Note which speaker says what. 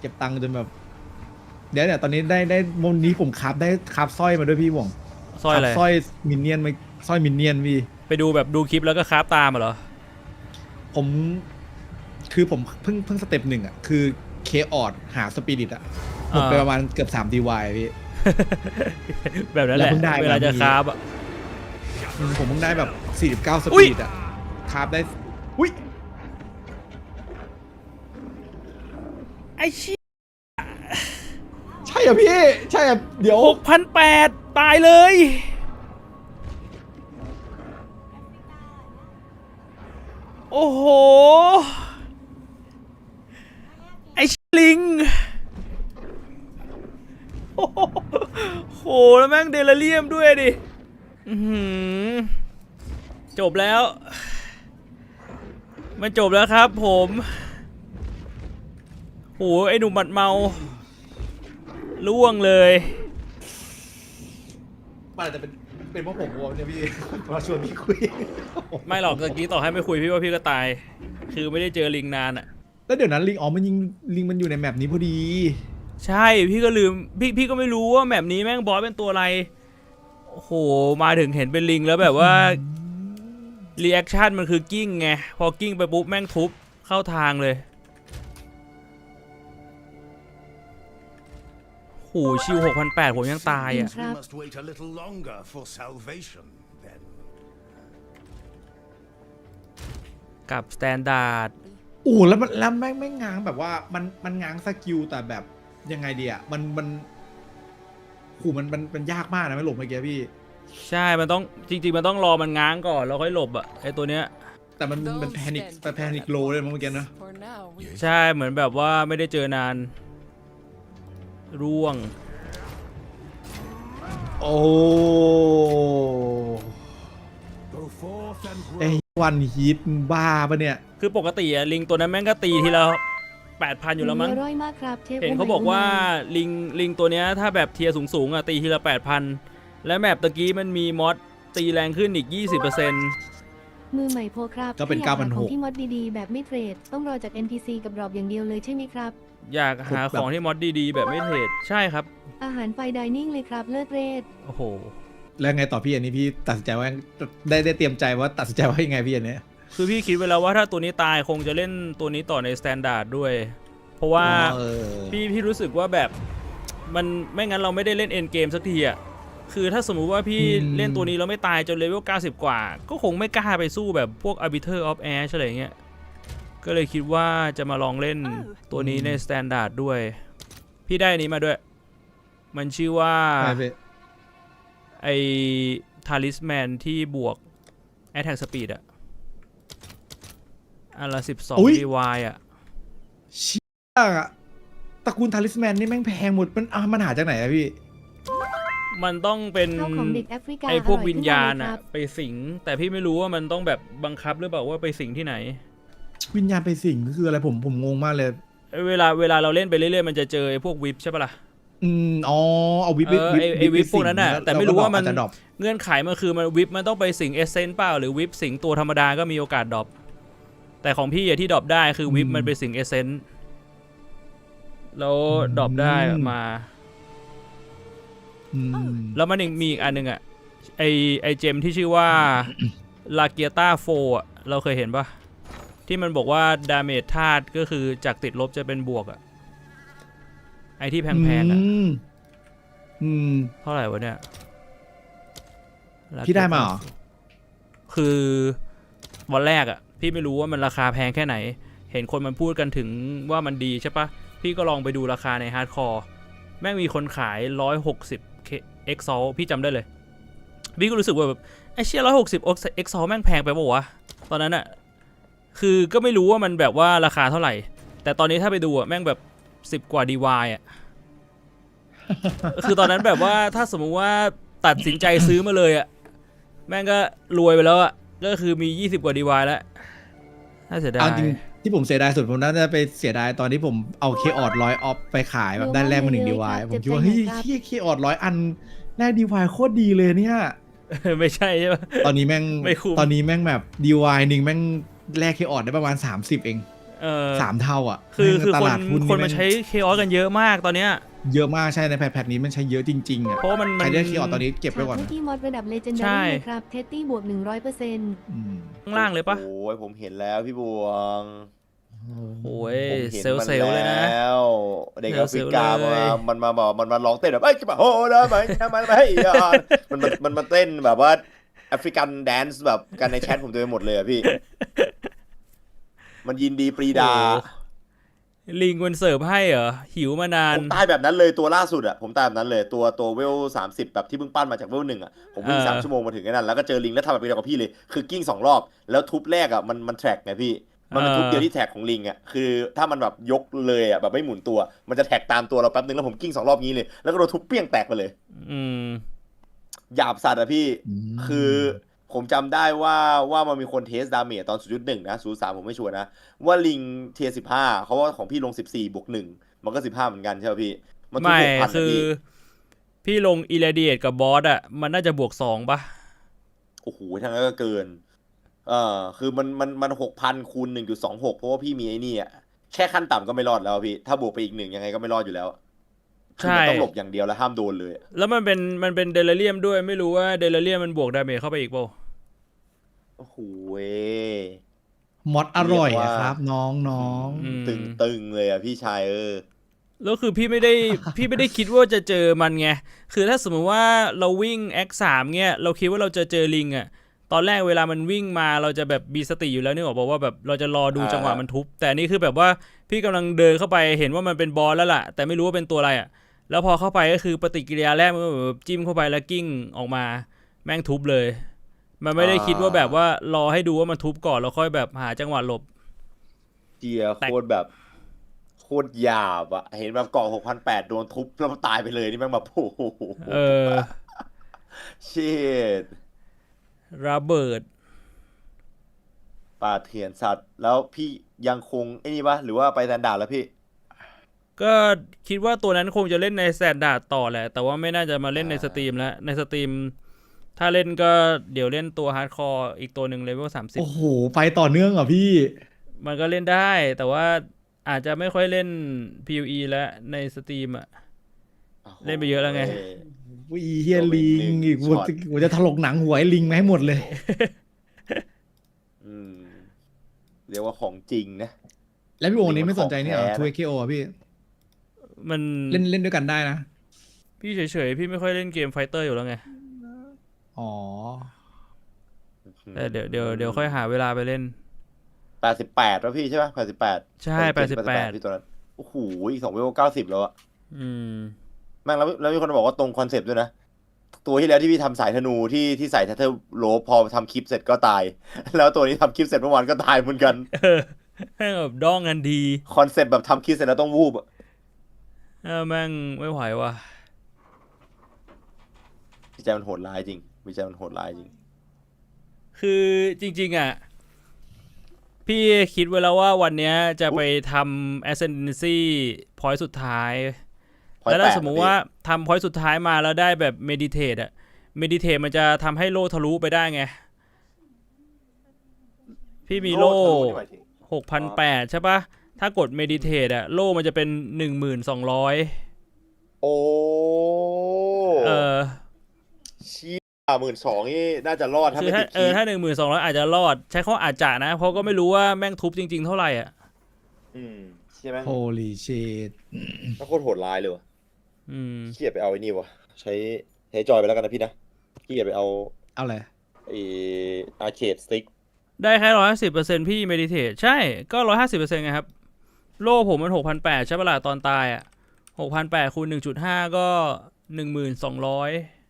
Speaker 1: เก็บตังค์จนแบบเดี๋ยวเนี่ยตอนนี้ได้วันนี้ผมคราฟได้คราฟสร้อยมาด้วยพี่หว่อง
Speaker 2: สร้อยอะไร
Speaker 1: สร้อยมินเนี่ยนมาสร้อยมินเนี่ยนพี่
Speaker 2: ไปดูแบบดูคลิปแล้วก็คราฟตามเหรอ
Speaker 1: ผมคือผมเพิ่งสเต็ปหนึ่งอ่ะคือเคออดหาสปิริตอ่ะหมดไปประมาณเกือบ3 DY พี่
Speaker 2: แบบนั้นแหละ
Speaker 1: แล้วเพิ่งได้
Speaker 2: เวลาจะคราฟอ่ะ
Speaker 1: ผมเพิ่งได้แบบ49ส
Speaker 2: อุ๊
Speaker 1: ปิ
Speaker 2: ย
Speaker 1: ริตอ่ะคราฟได้อุ้ย
Speaker 2: ไอ้ชี้
Speaker 1: ใช่อ่ะพี่ใช่อ่ะเดี๋ยว
Speaker 2: 6,800ตายเลย โอ้โห ไอ้ลิงโอ้โหแล้วแม่งเดลเรียมด้วยดิจบแล้ว มันจบแล้วครับผมโหไอ้หนุ่มบัดเมาล่วงเลย
Speaker 1: มันอาจจะเป็นเพราะผมวงเนี่ยพี่ มาชวนพี่คุย
Speaker 2: ไม่หรอกตะกี้ต่อให้ไม่คุยพี่ว่าพี่ก็ตาย คือไม่ได้เจอลิงนานอะ
Speaker 1: แล้วเดี๋ยวนั้นลิงอ๋อมันยิงลิงมันอยู่ในแมปนี้พอดี
Speaker 2: ใช่พี่ก็ลืมพี่ก็ไม่รู้ว่าแมปนี้แม่งบอสเป็นตัวอะไรโอ้โหมาถึงเห็นเป็นลิงแล้วแบบว่ารีแอคชั่นมันคือกิ้งไงพอกิ้งไปปุ๊บแม่งทุบเข้าทางเลยโหชิว 6,800 ผมยังตายอ่ะ
Speaker 3: We must wait a little longer for salvation, then.
Speaker 2: กับสแตนดาร์ด
Speaker 1: โอ้แล้วแม่งง้างแบบว่ามันง้างสกิลแต่แบบยังไงดีอ่ะมันโหมันยากมากนะไม่หลบเมื่อกี้พี่
Speaker 2: ใช่มันต้องจริงๆมันต้องรอมันง้างก่อนแล้วค่อยหลบอ่ะไอตัวเนี้ย
Speaker 1: แต่มันแพนิคโลเลยมั้งเมื่อกี้นะ
Speaker 2: ใช่เหมือนแบบว่าไม่ได้เจอนานร่วง
Speaker 1: โอ้
Speaker 3: Go forth and
Speaker 1: ไอ้
Speaker 3: grow.
Speaker 1: วันฮีทบ้าปะเนี่ย
Speaker 2: คือปกติอะลิงตัวนั้นแม่งก็ตีทีละ 8,000 อยู่แล้วมั้ง
Speaker 4: อร่อยมากครับเทพ
Speaker 2: เห็นเขาบอกว่าลิงตัวเนี้ยถ้าแบบเทียร์สูงๆอะตีทีละ 8,000 และแมปตะกี้มันมีมอดตีแรงขึ้นอีก 20%
Speaker 4: มือใหม่โพครับ
Speaker 1: ก็เป็น
Speaker 4: ถ้าอยาหาของ
Speaker 1: 9,600
Speaker 4: ที่มอดดีๆ แบบไม่เทรด ต้องรอจาก NPC กับรอบอย่างเดียวเลยใช่ไหมครับ
Speaker 2: อยากหาของที่มอดดีๆ แบบไม่เทรดใช่ครับ
Speaker 4: อาหารไฟไดนิ่งเลยครับ เลิศเรศ
Speaker 2: โอ้โห
Speaker 1: แล้วไงต่อพี่อันนี้พี่ตัดสินใจว่าได้เตรียมใจว่าตัดสินใจว่ายังไงพี่อันเนี้ย
Speaker 2: คือพี่คิดไว้แล้วว่าถ้าตัวนี้ตายคงจะเล่นตัวนี้ต่อในสแตนดาร์ดด้วย เพราะว่า
Speaker 1: เออ
Speaker 2: พี่รู้สึกว่าแบบมันไม่งั้นเราไม่ได้เล่นเอ็นเกมสักทีอ่ะคือถ้าสมมุติว่าพี่เล่นตัวนี้แล้วไม่ตายจนเลเวล 90 กว่า ก็คงไม่กล้าไปสู้แบบพวก Arbiter of Ash อะไรเงี้ย ก็เลยคิดว่าจะมาลองเล่นตัวนี้ในสแตนดาร์ดด้วย พี่ได้อันนี้มาด้วย มันชื่อว่า
Speaker 1: ใช่พี่
Speaker 2: ไอ้ทาริสแมนที่บวก Attack Speed อะอันละ 12 DY อะ
Speaker 1: เชี่ยตระกูลทาริสแมนนี่แม่งแพงหมดมันหาจากไหนอะพี่
Speaker 2: มันต้องเป็น
Speaker 4: ข้าวของเด็กแอฟริกา
Speaker 2: ไอ้พวก
Speaker 4: ร่ย
Speaker 2: วิญญาณ
Speaker 4: ขึ้นม
Speaker 2: อะ
Speaker 4: เลยครับ
Speaker 2: ไปสิง แต่พี่ไม่รู้ว่ามันต้องแบบบังคับหรือเปล่าว่าไปสิงที่ไหน
Speaker 1: วิญญาณไปสิ่งก็คืออะไรผมงงมากเลย
Speaker 2: เวลาเราเล่นไปเรื่อยๆมันจะเจอไอ้พวกวิปใช่ปะล่ะ
Speaker 1: อ๋อเอาวิป
Speaker 2: ไอ้วิปพวกนั้นน่ะแต่ไม่รู้ว่ามัน
Speaker 1: จะดรอป
Speaker 2: เงื่อนไขมันคือมันวิปมันต้องไปสิงเอเซนต์เปล่าหรือวิปสิงตัวธรรมดาก็มีโอกาสดรอปแต่ของพี่อะที่ดรอปได้คือวิปมันไปสิงเอเซนต์แล้วดรอปได้มา แล้วมันยังมีอีกอันหนึงอะไอเจมที่ชื่อว่า ลาเกียต้าโฟอะเราเคยเห็นปะที่มันบอกว่าดาเมจธาตุก็คือจากติดลบจะเป็นบวกอะไอที่แพงๆอะเท่าไหร่วะเนี่ย
Speaker 1: พี่ได้มาเหรอ
Speaker 2: คือวันแรกอะพี่ไม่รู้ว่ามันราคาแพงแค่ไหน เห็นคนมันพูดกันถึงว่ามันดีใช่ปะพี่ก็ลองไปดูราคาในฮาร์ดคอร์แม่งมีคนขาย160 เอ็กซอลพี่จำได้เลยพี่ก็รู้สึกว่าแบบไอ้เชี่ย160 เอ็กซอลแม่งแพงไปป่าววะตอนนั้นอะคือก็ไม่รู้ว่ามันแบบว่าราคาเท่าไหร่ แต่ตอนนี้ถ้าไปดูอะแม่งแบบ10 กว่า DY อะ คือตอนนั้นแบบว่าถ้าสมมุติว่าตัดสินใจซื้อมาเลยอะแม่งก็รวยไปแล้วอะก็คือมี20 กว่า DY แล้วน่าเสียดาย
Speaker 1: เอาจริงที่ผมเสียดายสุดผมน่าจะไปเสียดายตอนที่ผมเอาเคออด100 ออฟไปขายแบบได้แรกมา1 DY ผมคิดว่าเฮ้ยเคออด100 อันแรก DY โคตรดีเลยเนี่ย
Speaker 2: ไม่ใช่ใช่ปะ
Speaker 1: ตอนนี้แม่ง
Speaker 2: ไม่คุ้ม
Speaker 1: ตอนนี้แม่งแบบ DY หนึ่งแม่งแลกเคออดได้ประมาณ30เอง 3 เท่าอ่ะ
Speaker 2: คือ
Speaker 1: ต
Speaker 2: คน
Speaker 1: ลาดหุ้น
Speaker 2: คนมาใช้เคออสกันเยอะมากตอนเนี้ย
Speaker 1: เยอะมากใช่ในแพทนี้มันใช้เยอะจริงๆอ่ะ
Speaker 2: เพราะว่ามัน
Speaker 1: ใครได้คีย์ออดตอนนี้เก็บไว้ก่อน
Speaker 4: ฉาก
Speaker 1: นะ
Speaker 4: ที่มอดระดับเลเจน
Speaker 2: ใช่
Speaker 4: ดารี่เลยครับเทตตี้บวก 100%
Speaker 1: อืม
Speaker 2: ข้างล่างเลยปะ
Speaker 5: โอ้ยผมเห็นแล้วพี่บวง
Speaker 2: โอ้ย
Speaker 5: ผมเห็น
Speaker 2: เซล
Speaker 5: มัน
Speaker 2: เซลเลยนะ
Speaker 5: แล้วเด็กแอฟริกา
Speaker 2: เซลล์เลย
Speaker 5: มันมาบอกมันมาร้องเต้นแบบเอ้ยจะมาโหนะมันไม่มันมาเต้นแบบว่าแอฟริกันแดนซ์แบบกันในแชทผมเต็มไปหมดเลยอะพี่ มันยินดีปรีดา
Speaker 2: โอ้ลิงมันเสิร์ฟให้เหรอ หิวมานาน
Speaker 5: ผมตายแบบนั้นเลยตัวล่าสุดอะผมตายแบบนั้นเลยตัวเวล30แบบที่เพิ่งปั้นมาจากเวล1อะผมวิ่ง
Speaker 2: เออ
Speaker 5: 3 ชั่วโมงมาถึงไอ้นั่นแล้วก็เจอลิงแล้วทำแบบเดียวกับพี่เลยคือกิ้ง2 รอบแล้วทุบแรกอะมันแทร็กไงพี่มันเป็นทุบเดียวที่แท็กของลิงอะคือถ้ามันแบบยกเลยอะแบบไม่หมุนตัว มันจะแท็กตามตัวเราแป๊บนึงแล้วผมกิ้ง2 รอบนี้เลยแล้วก็โดนทุบเปี้ยงแตกไปเลย
Speaker 2: อืม
Speaker 5: หยาบสัตว์อะพี่
Speaker 1: อืม
Speaker 5: คือผมจำได้ว่ามันมีคนเทสดาเมจตอน 0.1 นะ 0.3 ผมไม่ชัวร์นะ ว่าลิงเทีย15เขาว่าของพี่ลง 14 บวก 1 มันก็ 15 เหมือนกันใช่ไหมพี่ มันทุก
Speaker 2: ไม่
Speaker 5: 6,000นะ
Speaker 2: คือ
Speaker 5: พี่
Speaker 2: พี่ลงอิเลเดียตกับบอสอ่ะ มันน่าจะบวก2ปะ
Speaker 5: โอ้โหทั้งนั้นก็เกิน คือมัน 6,000 คูณ 1.26 เพราะว่าพี่มีไอ้นี่อะแค่ขั้นต่ำก็ไม่รอดแล้วพี่ ถ้าบวกไปอีก 1 ยังไงก็ไม่รอดอยู่แล้วคือมันต้องหลบอย่างเดียวแล้วห้ามโดนเลย
Speaker 2: แล้วมันเป็นเดลเรียมด้วยไม่รู้ว่าเดลเรียมมันบวกดาเมจเข้าไปอีกเปล่า
Speaker 5: โอ้โหเว้ย
Speaker 1: มอดอร่อย
Speaker 5: เรียก
Speaker 1: อะ
Speaker 5: ว่า
Speaker 1: ครับ น้อง
Speaker 2: อืม
Speaker 5: ตึงเลยอะพี่ชาย
Speaker 2: แล้วคือพี่ไม่ได้ พี่ไม่ได้คิดว่าจะเจอมันไง คือถ้าสมมติว่าเราวิ่ง X3 เงี้ย เราคิดว่าเราจะเจอลิงอ่ะ ตอนแรกเวลามันวิ่งมาเราจะแบบมีสติอยู่แล้วนี่บอกว่าแบบเราจะรอดูจังหวะมันทุบ แต่อันนี่คือแบบว่าพี่กำลังเดินเข้าไปเห็นว่ามันเป็นบอสแล้วล่ะ แต่ไม่รู้ว่าเป็นตัวอะไรอ่ะ แล้วพอเข้าไปก็คือปฏิกิริยาแรกมันก็แบบจิ้มเข้าไปแล้วกิ้งออกมาแม่งทุบเลย มันไม่ได้คิดว่าแบบว่ารอให้ดูว่ามันทุบก่อนแล้วค่อยแบบหาจังหวะหลบ
Speaker 5: เจียโคตรแบบโคตรหยาบอะเห็นแบบเกาะ6,800โดนทุบแล้วมันตายไปเลยนี่แม่งแบบโอ้โห
Speaker 2: เออ
Speaker 5: ชิต
Speaker 2: ระเบิด
Speaker 5: ป่าเถื่อนสัตว์ แล้วพี่ยังคงไอ้นี่ปะหรือว่าไปแซนดาร์ดแล้วพี่
Speaker 2: ก็คิดว่าตัวนั้นคงจะเล่นในแซนดาร์ดต่อแหละ แต่ว่าไม่น่าจะมาเล่นในสตรีมแล้ว ในสตรีม ถ้าเล่นก็เดี๋ยวเล่นตัวฮาร์ดคอร์อีกตัวหนึ่งเลเวล
Speaker 1: ๆ โอ้โห ไปต่อเนื่องเหรอพี่
Speaker 2: 30มันก็เล่นได้ แต่ว่าอาจจะไม่ค่อยเล่น PVE แล้วในสตรีมอ่ะ เล่นไปเยอะแล้วไง
Speaker 1: วิเฮียลิงอีก
Speaker 5: ช็อต
Speaker 1: กูจะถลกหนังหัวไอ้ลิงมาให้หมดเลย
Speaker 5: อืมเรียกว่าของจริงนะ
Speaker 1: แล้วพี่โอนี้ไม่สนใจนี่เหรอ
Speaker 5: ลิงมันของแท้นะ
Speaker 1: 2KO อ่ะพี่
Speaker 2: มัน
Speaker 1: เล่นด้วยกันได้นะ
Speaker 2: พี่เฉยๆ พี่ไม่ค่อยเล่นเกมไฟเตอร์อยู่แล้วไง
Speaker 1: อ๋อ
Speaker 2: แต่เดี๋ยวค่อยหาเวลาไปเล่น
Speaker 5: 88แล้วพี่ใช่ปะ88
Speaker 2: ใช่88
Speaker 5: พี่ตัวนั้นโอ้โหอีก2 เวล90แล้วอะ
Speaker 2: อืม
Speaker 5: แม่งแล้วมีคนบอกว่าตรงคอนเซปต์ด้วยนะ ตัวที่แล้วที่พี่ทำสายธนูที่ใส่ทัตเทอร์โลพอทำคลิปเสร็จก็ตาย แล้วตัวนี้ทำคลิปเสร็จเมื่อวานก็ตายเหมือนกัน
Speaker 2: เออแม่งแบบด้องกันดี
Speaker 5: คอนเซปต์แบบทำคลิปเสร็จแล้วต้องวูบอะ
Speaker 2: แม่งไม่ไหวว่ะ
Speaker 5: วิจัยมันโหดร้ายจริงวิจัยมันโหดร้ายจริง
Speaker 2: คือจริงๆอ่ะ พี่คิดไว้แล้วว่าวันเนี้ยจะไปทำ ascendancy point สุดท้าย
Speaker 5: Point
Speaker 2: แล้วถ้า
Speaker 5: 8
Speaker 2: สมมุติว่าทำ point สุดท้ายมาแล้วได้แบบ meditate อ่ะ meditate มันจะทำให้โล่ทะลุไปได้ไง พี่มีโล่
Speaker 5: ทะนี่หมายถึง
Speaker 2: 6,800 ใช่ปะถ้ากด meditate อ่ะ โล่มันจะเป็น 1,200
Speaker 5: โอ้
Speaker 2: เออ
Speaker 5: ชี้12,000นี่น่าจะรอดถ้า
Speaker 2: คือ
Speaker 5: ไม่
Speaker 2: ถ้า
Speaker 5: ติดคีย์
Speaker 2: ถ้า 1,200 อาจจะรอด ใช้ข้ออาจจะนะ เพราะก็ไม่รู้ว่าแม่งทุบจริงๆเท่าไหร่อ่ะ
Speaker 5: ใช่ไหม
Speaker 1: Holy shit
Speaker 5: ก็โคตรโหดร้ายเลยวะ
Speaker 2: อืม
Speaker 5: เกียดไปเอาไอ้นี่วะใช้จอยไปแล้วกันนะพี่นะเกียดไปเอา
Speaker 1: เอาเลย
Speaker 5: ไอ้อาร์เคดสติ๊ก
Speaker 2: ได้แค่150%พี่ meditate ใช่ก็150%ไงครับ โล่ผมมัน 6,800 ใช่ปะล่ะตอนตายอ่ะ 6,800 คูณ 1.5 ก็ 1,200